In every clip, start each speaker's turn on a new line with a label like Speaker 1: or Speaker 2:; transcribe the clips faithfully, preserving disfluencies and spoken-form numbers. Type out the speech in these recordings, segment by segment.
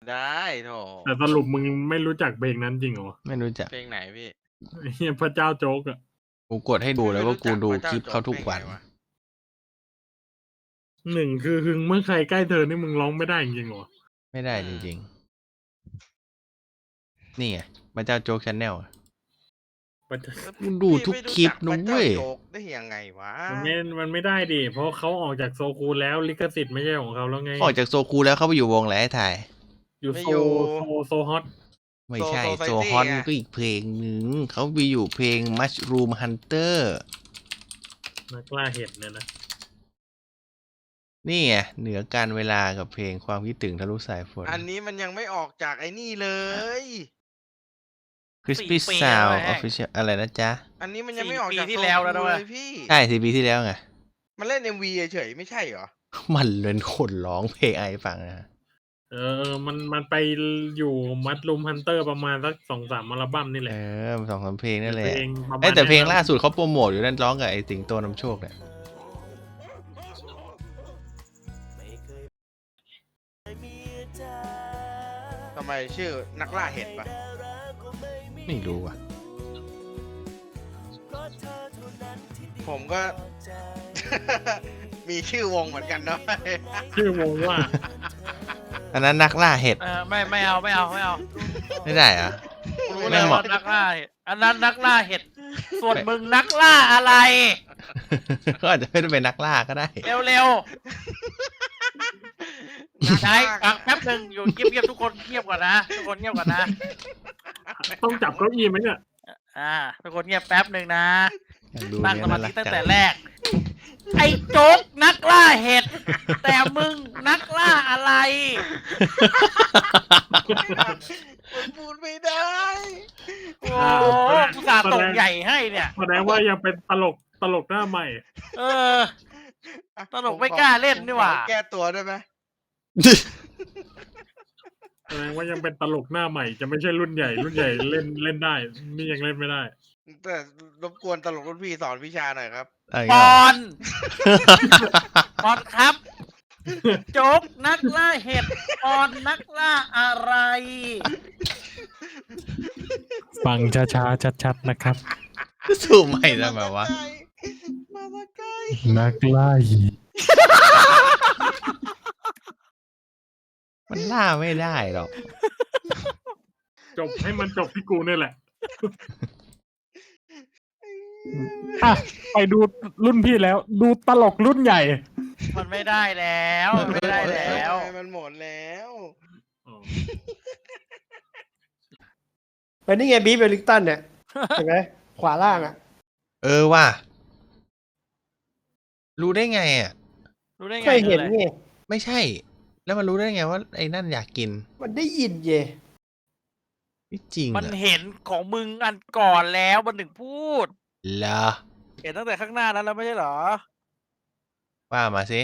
Speaker 1: ได้โถ
Speaker 2: แต่สรุปมึงไม่รู้จักเพลงนั้นจริงเหรอ
Speaker 3: ไม่รู้จัก
Speaker 1: เพลงไหนพี่
Speaker 2: เฮียพระเจ้าโจ๊กอะ
Speaker 3: กูกดให้ดูแล้วว่ากูดูคลิปเขาทุกวัน
Speaker 2: หนึ่งคือหึงเมื่อใครใกล้เธอนี่มึงร้องไม่ได้จริงเหรอ
Speaker 3: ไม่ได้จริงๆนี่ไงพระเจ้าโจ๊กชาแนลมึงดูทุกคลิปนุ้ย
Speaker 1: ได้ยังไงวะ
Speaker 2: มันไม่มันไม่ได้ดิเพราะเขาออกจากโซคูแล้วลิขสิทธิ์ไม่ใช่ของเขาแล้วไง
Speaker 3: ออกจากโซคูแล้วเขาไปอยู่วงไหนถ่าย
Speaker 2: อยู่โซโซโซฮอต
Speaker 3: ไม่ใช่โซฮอตก็อีกเพลงหนึ่งเขาไปอยู่เพลง Mushroom Hunter
Speaker 2: นักล่าเห็ดเนี่ยนะ
Speaker 3: นี่ไงเหนือการเวลากับเพลงความคิดถึงทะลุสายฝน
Speaker 1: อันนี้มันยังไม่ออกจากไอ้นี่เลย
Speaker 3: Crispy Sound Official อะไรนะจ๊ะ
Speaker 1: อันนี้มันยังไม่ออกจากที่แล้วแล้วด้วยพี่
Speaker 3: ใช่สี่ปีที่แล้วไง
Speaker 1: มันเล่น เอ็ม วี เฉยๆไม่ใช่เหรอ
Speaker 3: มันเล่นคนร้องเพลงไอฟังนะ
Speaker 2: เออมันมันไปอยู่มัดลูมฮันเตอร์ประมาณสักสองสามอัลบั้มนี่แหละ
Speaker 3: เออสองสามเพลงนั่นแหละ
Speaker 2: เอ้
Speaker 3: แต่เพลงล่าสุดเขาโปรโมทอยู่นั่นร้องกับไอสิงโตนำโชคเนี่ย
Speaker 1: ทำไมชื่อนักล่าเห็ดปะ
Speaker 3: ไม่รู้อ่ะ
Speaker 1: ผมก็ มีชื่อวงเหมือนกันเนาะ
Speaker 2: ชื่อวงว่า
Speaker 3: อันนั้นนักล่าเห็ด
Speaker 4: เออไม่ไม่เอาไม่เอาไม่เอา
Speaker 3: ไม่ได้อะ
Speaker 4: รู้เลยว่านักล่าอันนั้นนักล่าเห็ดส่วนมึงนักล่าอะไร
Speaker 3: ก็อาจจะไม่ได้เป็นนักล่าก็ได้
Speaker 4: เร็วเร็วใช่แป๊บหนึ่งอยู่เงียบๆทุกคนเงียบก่อนนะทุกคนเงียบก่อนนะ
Speaker 2: ต้องจับเก้าอี้ไหมเนี่ย
Speaker 4: อ่าทุกคนเงียบแป๊บหนึ่งนะ
Speaker 3: ตั้
Speaker 4: งสมาธิตั้งแต่แรกไอ้โจ๊กนักล่าเห็ดแต่มึงนักล่าอะไร
Speaker 1: มันพูดไม่ได้
Speaker 4: โอ้กูสาตกใหญ่ให้เนี่ย
Speaker 2: แสดงว่ายังเป็นตลกตลกหน้าใหม่
Speaker 4: เออตลกไม่กล้าเล่นนี่หว่า
Speaker 1: แก้ตัวได้ไหม
Speaker 2: แสดงว่ายังเป็นตลกหน้าใหม่จะไม่ใช่รุ่นใหญ่รุ่นใหญ่เล่นเล่นได้นี่ยังเล่นไม่ได้
Speaker 1: แต่รบกวนตลกรุ่นพี่สอนวิชาหน่อยครับ
Speaker 4: ปอนปอนครับโจ๊กนักล่าเห็ดปอนนักล่าอะไร
Speaker 2: ฟังช้าๆชัดๆนะครับ
Speaker 3: สู้ใหม่แล้วแบบว่า
Speaker 2: นักล่าเห็ด
Speaker 3: มันล่าไม่ได้หรอก
Speaker 2: จบให้มันจบที่กูนี่แหละอ่ะไปดูรุ่นพี่แล้วดูตลกรุ่นใหญ่
Speaker 4: มันไม่ได้แล้วไม่ได้แล้ว
Speaker 1: มันหมดแล้ว
Speaker 5: เป็นนี่ไงบีฟเวลลิงตันเนี่ยเห็นไหมขวาล่างอ่ะ
Speaker 3: เออว่ะรู้ได้ไงอ่ะ
Speaker 4: รู้ได้ไง
Speaker 5: เคยเห็นไง
Speaker 3: ไม่ใช่แล้วมันรู้ได้ไงว่าไอ้นั่นอยากกิน
Speaker 5: มันได้ยินเย่
Speaker 3: ไม่จริง
Speaker 4: มันเห็นของมึงอันก่อนแล้วมันถึงพูด
Speaker 3: เหรอ
Speaker 4: เห็นตั้งแต่ข้างหน้านั้นแล้วไม่ใช่เหรอ
Speaker 3: ว่ามาสิ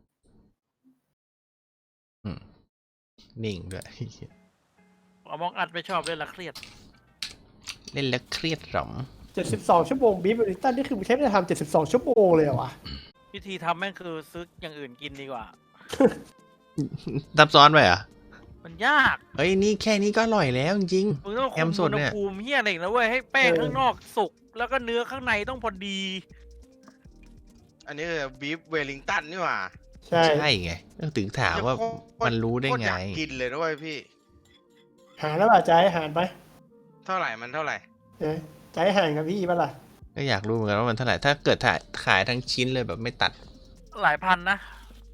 Speaker 3: นิ่งด้วย
Speaker 4: เอามองอัดไม่ชอบเล่นละเครียด
Speaker 3: เล่นแล้วเครียดหรอ
Speaker 5: เจ็ดสิบสองชั่วโมงบีฟเวลลิงตันนี่คือใช้เวลาทำเจ็ดสิบสองชั่วโมงเลยเหรอวะ
Speaker 4: วิธีทำแม่งคือซื้ออย่างอื่นกินดีกว่า
Speaker 3: ซับซ้อนไปอ่ะ
Speaker 4: มันยาก
Speaker 3: เฮ้ยนี่แค่นี้ก็อร่อยแล้วจริง
Speaker 4: ๆมึงต้องคุมอุณหภูมิเฮี้ยอะไรนะเว้ยให้แป้งข้างนอกสุกแล้วก็เนื้อข้างในต้องพอดี
Speaker 1: อันนี้คือบีฟเวลลิงตันนี่หว่า
Speaker 3: ใช่ใช่ไงต้องถึงถามว่ามันรู้ได้ไง
Speaker 1: กินเลยด้วยพี่
Speaker 5: หาแล้วป่ะใจหารไป
Speaker 1: เท่าไหร่มันเท่าไหร่
Speaker 5: เอ๊ะใจหารกับพี่ป่ะล่ะ
Speaker 3: ก็อยากรู้เหมือนกันว่ามันเท่าไหร่ถ้าเกิดถ่ายขายทั้งชิ้นเลยแบบไม่ตัด
Speaker 4: หลายพันนะ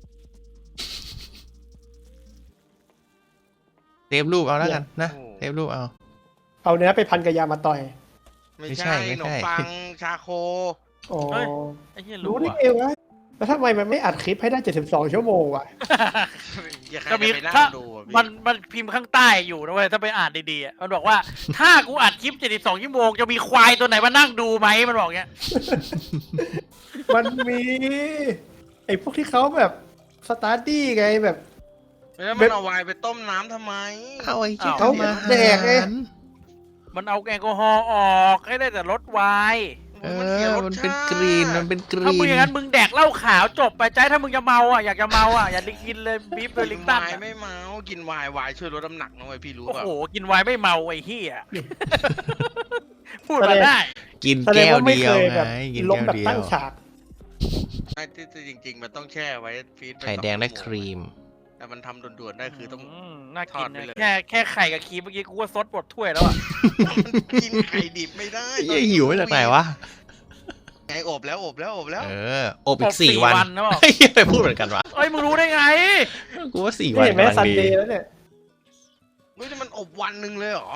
Speaker 3: เทปรูปเอาแล้วกันนะเทปรูปเอา
Speaker 5: เอาเนื้อไปพันกับยามาต่อย
Speaker 1: ไม่ใช่ขนมปังชาโค
Speaker 5: อ๋อรู้ได้ไงวะแล้วทำไมมันไม่อัดคลิปให้ได้เจ็ดสิบสองชั่วโมงวะ
Speaker 4: ก็มีถ้ามันมันพิมพ์ข้างใต้อยู่นะเว้ยถ้าไปอ่านดีๆมันบอกว่าถ้ากูอัดคลิปเจ็ดสิบสองชั่วโมงจะมีควายตัวไหนมานั่งดูไหมมันบอกเงี้ย
Speaker 5: มันมีไอ้พวกที่เขาแบบสตาร์ดี้ไงแบบ
Speaker 1: แล้วมันเอาไวน์ไปต้มน้ำทำไม
Speaker 3: เอาไอ้ที่
Speaker 5: เขา
Speaker 3: มา
Speaker 5: แดกไง
Speaker 4: มันเอาแอลกอฮอล์ออกให้ได้แต่ลดไวน์
Speaker 3: เอ
Speaker 1: มันเสีย
Speaker 3: อ
Speaker 1: รส
Speaker 3: มันเป็น
Speaker 1: ชาติ
Speaker 3: กรีนมันเป็นก
Speaker 4: ถ้า
Speaker 3: รี
Speaker 4: มึง
Speaker 3: น
Speaker 4: อย่างนั้นมึงแดกเหล้าขาวจบไปใจถ้ามึงจะเมาอ่ะอยากจะเมาอ่ะอย่าได้กินเลยบีฟเวอ
Speaker 1: กิ
Speaker 4: ลิ
Speaker 1: น
Speaker 4: งตัน
Speaker 1: ไวน์ไม่เมากินไวน์ไวน์ช่วยลดน้ำหนักนะเว้ยพี่รู้
Speaker 4: โอ้
Speaker 1: ป่ะ
Speaker 4: โหกินไวน์ไม่เมาไอ้เหี้ยพูดมาได้
Speaker 3: กิน
Speaker 5: แสดง
Speaker 3: แก้ว
Speaker 5: ว่าไม่
Speaker 3: เดีย
Speaker 5: เคว ย
Speaker 3: ไง
Speaker 5: แบบ
Speaker 3: กิน
Speaker 5: ล้ม
Speaker 3: แก้ว
Speaker 5: แบบ
Speaker 3: เดีย
Speaker 5: ตั้ง
Speaker 3: ว
Speaker 5: ฉาก
Speaker 1: ไอ้ที่จริง ๆ มันต้องแช่ไว้ฟีด
Speaker 3: ไข่แดงและครีม
Speaker 1: แต่มันทำด่วนๆได้คือต้อง
Speaker 4: มน่ากิน
Speaker 1: ทอดไป
Speaker 4: นะ
Speaker 1: เลย
Speaker 4: แค่แค่ไข่กับครีมเมื่อกี้กูว่าซดหมดถ้วยแล้วอ่ะ
Speaker 1: กินไข่ดิบไม่ได้
Speaker 3: เหี้ยหิวมาจากไหนวะ
Speaker 1: ไงอบแล้วอบแล้วอบแล้ว
Speaker 3: เอออบอีกสี่วัน
Speaker 4: นะบอก
Speaker 3: เฮ้ยไปพูดเหมือนกันวะ
Speaker 4: เอ้ยมึงรู้ได้ไง
Speaker 3: กูว่าสี่
Speaker 5: นี่
Speaker 3: วัน
Speaker 5: เห็นไหม
Speaker 3: กำลัง
Speaker 5: ซัน
Speaker 3: ดี
Speaker 5: เดย์แล้วเนี่ย
Speaker 1: เฮ้ยนี่มันอบวันหนึ่งเลยเหรอ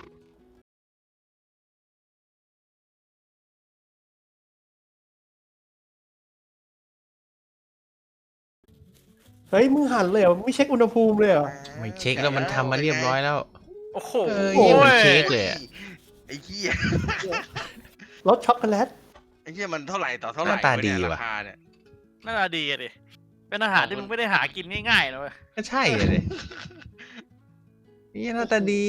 Speaker 5: เฮ้ยมึงหั่นเลยเหรอไม่เช็คอุณหภูมิเลยเหรอ
Speaker 3: ไม่เช็คแล้วมันทำมาเรียบร้อยแล้ว
Speaker 4: โอ้โห
Speaker 3: เออเหี้ยเหมือนเค้กเลยอะ
Speaker 1: ไอ้เหี้ย
Speaker 5: รสช็อกโกแลต
Speaker 1: ไอ้เหี้ยมันเท่าไหร่ต่อเท่าไหร่
Speaker 3: หน้าตาดี
Speaker 1: เนี่ย
Speaker 3: ว่ะ
Speaker 1: ราคาเนี่ย
Speaker 4: น่าจะดีอะดิเป็นอาหารที่มึงไม่ได้หากินง่ายๆนะเว้ย
Speaker 3: ก็ใช่เลยนี่หน้าตาดี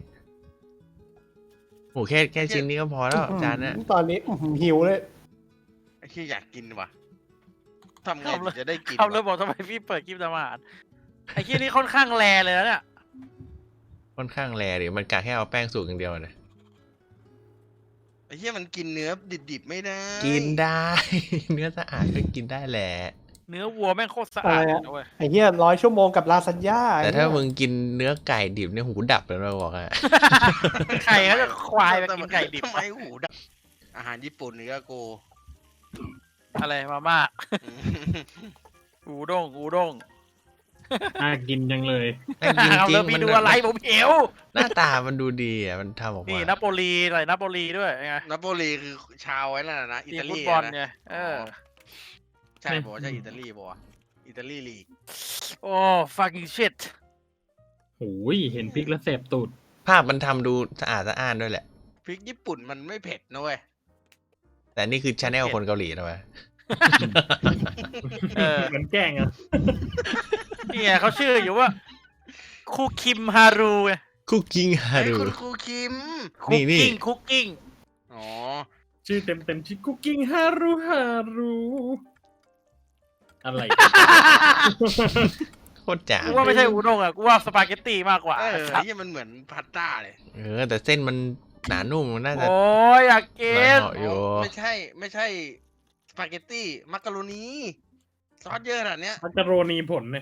Speaker 3: โอ้แค่แค่ชิ้นนี้ก็พอแล้วจานเนี้ย
Speaker 5: ตอนนี้อื้อหือหิวเลย
Speaker 1: ไอ้เหี้ยอยากกินว่ะทำไงถึงจะได้กิน
Speaker 4: เขาเลย
Speaker 1: วะ
Speaker 4: บอกทำไมพี่เปิดคลิปทำอาหารไอ้ที่นี่ค่อนข้างแรเลยนะเนี่ย
Speaker 3: ค่อนข้างแรดิมันกะแค่เอาแป้งสูตรอย่างเดียวนะ
Speaker 1: ไอ้เหี้ยมันกินเนื้อดิบๆไม่ได้
Speaker 3: กินได้ เนื้อสะอาดก็กินได้แหละ
Speaker 4: เนื้อวัวแม่งโคตรสะอาดเลยนะเว้ย
Speaker 5: ไอ้เหี้ยร้อยชั่วโมงกับลาซานญ่า
Speaker 3: แต่ถ้ามึงกินเนื้อไก่ดิบเนี่ยหูดับเลยเราบอกอะ
Speaker 4: ไข่เขาจะควายไปกินไก่ดิบ
Speaker 1: ทำไมหูดับอาหารญี่ปุ่นนี่ก็โก
Speaker 4: อะไรมาม่าอูด้งอูด้ง
Speaker 2: น่ากินจังเลย
Speaker 3: น่ากิน
Speaker 4: เอา
Speaker 3: จริ
Speaker 4: แล้ว
Speaker 3: ง
Speaker 4: พี่
Speaker 3: มัน
Speaker 4: ดูอะไรผมเหียว
Speaker 3: หน้าตามันดูดีอ่ะมันทำออก
Speaker 4: นี่
Speaker 3: มา
Speaker 4: นาโปลีอะไรนาโปลีด้วยไง
Speaker 1: นาโปลีคือชาวไว้นั่นน่ะนะอิ
Speaker 4: ทีม
Speaker 1: ตา
Speaker 4: ฟุ
Speaker 1: ลี
Speaker 4: ตบอล
Speaker 1: นะ
Speaker 4: ไงเออ
Speaker 1: ใช่บอกว่าใช่อิตาลีบอกว่าอิตาลีลีก
Speaker 4: โอ้ fucking shit
Speaker 2: โอ้ยเห็นพริกแล้วแสบตูด
Speaker 3: ภาพมันทำดูสะอาดสะอ้านด้วยแหละ
Speaker 1: พริกญี่ปุ่นมันไม่เผ็ดนะเว้ย
Speaker 3: แต่นี่คือชาแนลคนเกาหลีนะเว้ย
Speaker 4: เออ
Speaker 2: เหมือนแกล้งอ่ะ
Speaker 4: นี่ไงเขาชื่ออยู่ว่าคูคิมฮารูไง
Speaker 3: คุกกิ้งฮา
Speaker 1: เฮ้ย
Speaker 3: รุ
Speaker 1: คุณครูคิม
Speaker 4: คุ
Speaker 3: นี่
Speaker 4: ก
Speaker 3: นี่
Speaker 4: กิ้งคุกกิ้ง
Speaker 1: อ๋อ
Speaker 2: ชื่อเต็มเต็มๆชื่อคุกกิ้งฮารุฮารุอะไร
Speaker 3: โคตรจ๋า
Speaker 4: กูว่าไม่ใช่อูด้งอ่ะกูว่าสปาเกตตีมากกว่า
Speaker 1: เออ
Speaker 4: ครับ
Speaker 1: ไอ้เหี้ยมันเหมือนพาสต้าเลย
Speaker 3: เออแต่เส้นมันหนานุ่มมันน่าจะ
Speaker 4: โอ้ยอยากกิ
Speaker 3: หลาย
Speaker 4: น
Speaker 3: เหาะอยู่
Speaker 1: ไม่ใช่ไม่ใช่สปาเกตตี้มักกะโรนีซอสเยอะขนาดเนี้ย
Speaker 2: มักกะโรนีผลเนี่ย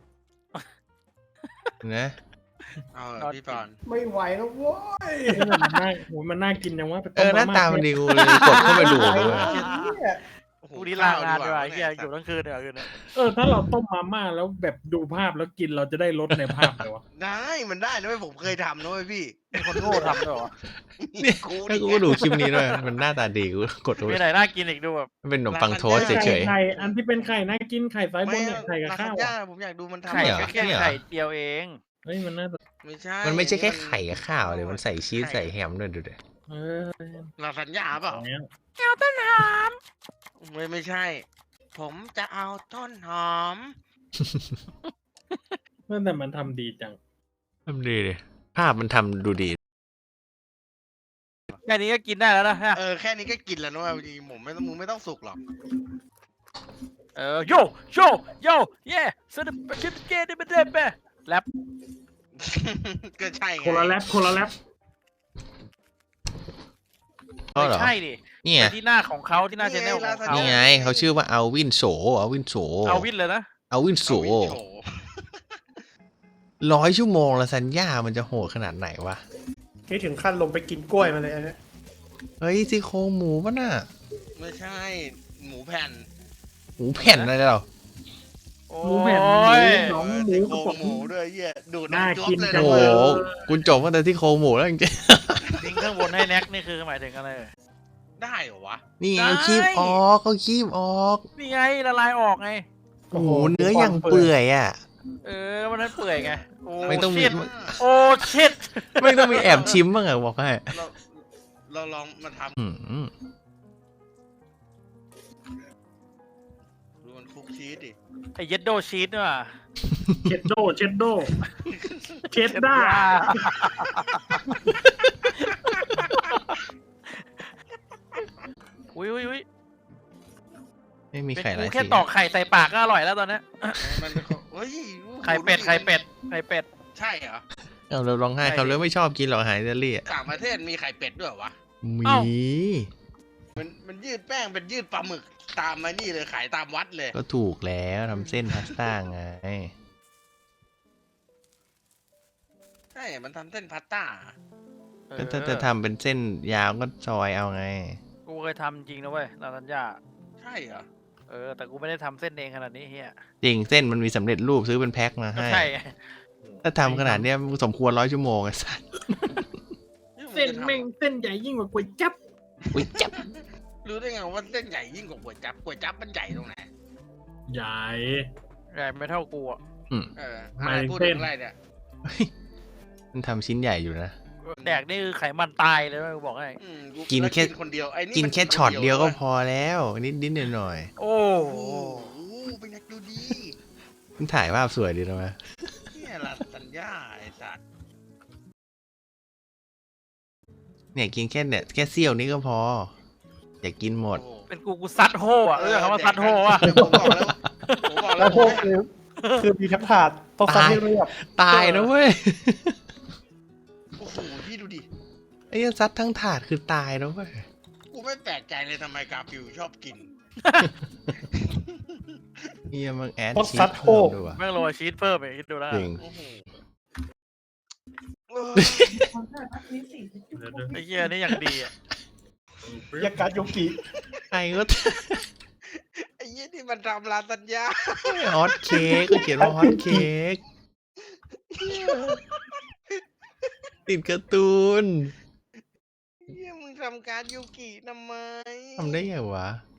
Speaker 3: นะ
Speaker 1: เอาเหรอพี่ปอน
Speaker 5: ไม่ไหวแล้วโว้ย
Speaker 2: มันน่าโอ้ยมันน่ากินจังวะไป
Speaker 3: เอ
Speaker 2: ต้
Speaker 3: อหน้า
Speaker 2: ม่
Speaker 3: ตามันดีกูเลยกดเข้าไปดูเลย
Speaker 1: โอ้โห
Speaker 4: กูนี่ลางานด้วย
Speaker 1: ข้
Speaker 4: ไอ้เหี้ยอยู่ทั้งคืนเดี๋ยวคืนนี้
Speaker 2: เออถ้าเราต้มมาม่าแล้วแบบดูภาพแล้วกินเราจะได้รสในภาพเลยวะ
Speaker 1: ได้มันได้นะเว้ยผมเคยทำนะเว้ยพี่
Speaker 4: มีคนโง่ทำด้วยเหรอ
Speaker 3: เนี่ยถ้ากูก็ดูคลิปนี้ด้วยมันหน้าตาดีกูกดดู
Speaker 4: มีไหนน่ากินอีกดูแบบ
Speaker 3: มันเป็นขนมปังโทสต์เฉย
Speaker 2: ไข่อันที่เป็นไข่น่ากินไข่ซ้ายบนเนี่ยไข่กับ
Speaker 1: ลา
Speaker 2: ข้า
Speaker 1: ซาน
Speaker 2: ว
Speaker 1: ญ่า
Speaker 2: อะ
Speaker 1: ผมอยากดูมันทำ
Speaker 4: ไข่
Speaker 3: เหรอ
Speaker 4: ก็แค่
Speaker 3: เนี่ยเหรอ
Speaker 4: ไข่เดียวเอง
Speaker 2: เฮ้ยมันน่าจะ
Speaker 1: ไม่ใช่
Speaker 3: ๆมันไม่ใช่แค่ไข่กับข้าวเลยมันใส่ชีสใส่แฮมด้วยดูดิ
Speaker 2: เออ
Speaker 1: ลาซานญ่าเปล่า
Speaker 2: อย่างเงี้ย
Speaker 1: ไม่ไม่ใช่ ผมจะเอาต้นหอม
Speaker 2: แต่มันทำดีจัง
Speaker 3: ทำดีดิภาพมันทำดูดี
Speaker 4: แค่นี้ก็กินได้แล้วนะฮะ
Speaker 1: เออแค่นี้ก็กินแล้วนะเว้ยจริงๆผมไม่ต้องมึงไม่ต้องสุกหรอก
Speaker 4: เออโยโยโยเย่สนุกคิดเกมไม่ได้แปะแรป
Speaker 1: ก็ใช่ไง
Speaker 2: คนละแรปคนละแรป
Speaker 3: ก็
Speaker 4: ไม่
Speaker 3: เหรอ
Speaker 4: ใช่ดิ
Speaker 3: เนี่ย
Speaker 4: ไปที่หน้าของเขาที่หน้าชแนลของเขา
Speaker 3: นี่ไงเขาชื่อว่าเอาวินโสเอาวินโส
Speaker 4: เอาวินเลยนะ
Speaker 3: เอาวินโส
Speaker 1: เอาวินโฉ
Speaker 3: ร้อยชั่วโมงละสัญญามันจะโหดขนาดไหนวะ
Speaker 5: นี่ถึงขั้นลงไปกินกล้วยมาเลยอันเนี้ย
Speaker 3: เฮ้ยซี่โครงหมูป่ะน่ะ
Speaker 1: ไม่ใช่ หมูแผ่น
Speaker 3: หมูแผ่นอะไรเหรอ
Speaker 4: โอ้
Speaker 2: หมูแผ่นหมู
Speaker 4: ย
Speaker 2: หนองหมู
Speaker 1: ซี่
Speaker 2: ก
Speaker 1: โค
Speaker 2: ระ
Speaker 1: รง
Speaker 2: ป๋อง
Speaker 1: หมูด้วยเหี้ยดูด
Speaker 2: น่า
Speaker 1: น้ำจ๊วบ
Speaker 2: กิน
Speaker 1: เลย
Speaker 2: จั
Speaker 1: นะ
Speaker 2: ง
Speaker 3: โอ้
Speaker 2: เล
Speaker 3: โห
Speaker 2: ย
Speaker 3: คุณจบตั้งแต่ที่โครงหมูแล้วจริง
Speaker 4: ทิ้งข้างบนให้แน็กนี่คือหมายถึงอะไร
Speaker 1: ได้เหรอวะ
Speaker 3: ๆ นี่ไง
Speaker 4: ได้
Speaker 3: คีบออกเขาคีบออก
Speaker 4: นี่ไงละลายออกไง
Speaker 3: โอ้โหเนื้ออย่างเปื่อยอ่ะ
Speaker 4: เออมันนั้นเปื่อยไงโอ้
Speaker 3: ไม่ต้องมี
Speaker 4: ชิดโอ้ชิด
Speaker 3: ไม่ต้องมีแอบชิมบ้างอะบอกให้
Speaker 1: เราเราลองมาท
Speaker 3: อืม
Speaker 1: ำดูมันคลุกชีสดิ
Speaker 4: ไอเยดโดชีสเนี่ยว่ะ
Speaker 2: เชดโดเชดโดเชดด้า
Speaker 3: อ
Speaker 4: อุ้ยอุ้ยอุ้ย
Speaker 3: ไม่มี
Speaker 4: เป็น
Speaker 3: ไข่ห
Speaker 4: กู
Speaker 3: ลาย
Speaker 4: แค่
Speaker 3: สี
Speaker 4: ตอกไข่ใส่ปากก็อร่อยแล้วตอนเนี้ย
Speaker 1: มันเป็นของเฮ้ย
Speaker 4: ไข่เป็ดไข่เป็ดไข่เป็ด
Speaker 1: ใช่เหรอ
Speaker 3: เอาเราร้องไห้
Speaker 4: ใช่
Speaker 3: เขาเลยไม่ชอบกินหรอกอาหารอิตาลีอะ
Speaker 1: ต่างประเทศมีไข่เป็ดด้วยเหรอวะ
Speaker 3: มี
Speaker 4: เอ้า
Speaker 1: มันมันยืดแป้งเป็นยืดปลาหมึกตามมานี่เลยขายตามวัดเลย
Speaker 3: ก็ถูกแล้วทำเส้นพาสต้าไง
Speaker 1: ใช่มันทำเส้นพาสต้า
Speaker 3: ก็ถ้าจะทำเป็นเส้นยาวก็ซอยเอาไง
Speaker 4: กูเคยทำจริงนะเว้ยลาซานญ่า
Speaker 1: ใช่เหรอ
Speaker 4: เออแต่กูไม่ได้ทำเส้นเองขนาดนี้เฮีย
Speaker 3: จริงเส้นมันมีสำเร็จรูปซื้อเป็นแพ็คมา
Speaker 4: ก็
Speaker 3: ให้
Speaker 4: ใช่ไง
Speaker 3: ถ้าทำขนาดเนี้ยสมควรร้อยชั่วโมงไอ้สัส
Speaker 2: เส้นแม่งเส้นใหญ่ยิ่งกว่าก๋วยจั๊บ
Speaker 3: อุ้ยจับ
Speaker 1: รู้ได้ไงว่าเส้นใหญ่ยิ่งกว่าก๋วยจั๊บก๋วยจั๊บมันใหญ่ตรงไหน
Speaker 2: ใหญ่
Speaker 4: ใหญ่ไม่เท่ากูอ่ะ
Speaker 1: เออ
Speaker 2: หมาย
Speaker 1: อะไร
Speaker 2: ถึง
Speaker 1: พูด
Speaker 2: เส้
Speaker 1: ถึ
Speaker 2: น
Speaker 1: งอะไรเนี่ย
Speaker 3: มันทำชิ้นใหญ่อยู่นะ
Speaker 4: แดกนี่คือไขมันตายเลยนะกูบอกให้
Speaker 1: อืม
Speaker 3: กิน
Speaker 1: ล้ว
Speaker 3: แค่
Speaker 1: คนเดียวไอ้นี่
Speaker 3: กิน
Speaker 1: มั
Speaker 3: แค่ช็อตเดียวก็พอแล้ว นิดนิดหน่อยหน่อย
Speaker 4: โอ้
Speaker 1: โอ้
Speaker 4: โห
Speaker 1: โหเป็นนักดูดี
Speaker 3: ๆมันถ่ายภาพสวยดีนะมั้ย
Speaker 1: เนี่ยลาสัญญาไอ้สัตว์
Speaker 3: เนี่ยกินแค่เนี่ยแค่เสี้ยวนี้ก็พอ อย่ากินหมด
Speaker 1: โอ้โห
Speaker 4: เป็นกูกูซัดโห่อะเออคำว่าซัดโห่อะ
Speaker 1: ผมบอกแล้วผมบอกแล้
Speaker 5: แล้ว วพวกคือคือมีทั้งถาดต้องซัดให้เรียบ
Speaker 3: ตายนะเว้ย
Speaker 1: โอ้โหพี่ดูดิ
Speaker 3: ไอ้ยันซัดทั้งถาดคือตายนะเว้ย
Speaker 1: กูไม่แปลกใจเลยทำไมกาฟิวชอบกิน
Speaker 3: เฮียมึงแอด
Speaker 5: ต้อง
Speaker 3: ชี
Speaker 5: ซั
Speaker 3: ส
Speaker 5: ดโค
Speaker 3: เพิ่ม
Speaker 5: ก
Speaker 3: ด้วยว่ะ
Speaker 4: แม่งโรยชีสเพิ่มไปคิดดูแล้ว
Speaker 3: จ
Speaker 4: กัน
Speaker 3: ริง
Speaker 1: โอ้โห
Speaker 2: เดี๋ยว
Speaker 4: ไอ้เหี้ยนี่อย่างดีอ่ะ
Speaker 5: ยาการโยกิ
Speaker 3: ใครก็
Speaker 1: ไอ้ยี่นี่มันทำลาสัญญา
Speaker 3: ฮอตเค้กก็เขียนว่าฮอตเค้กติดการ์ตูน
Speaker 1: เยี่ยมึงทำการยูกิทำไม
Speaker 3: ทำได้ไงวะ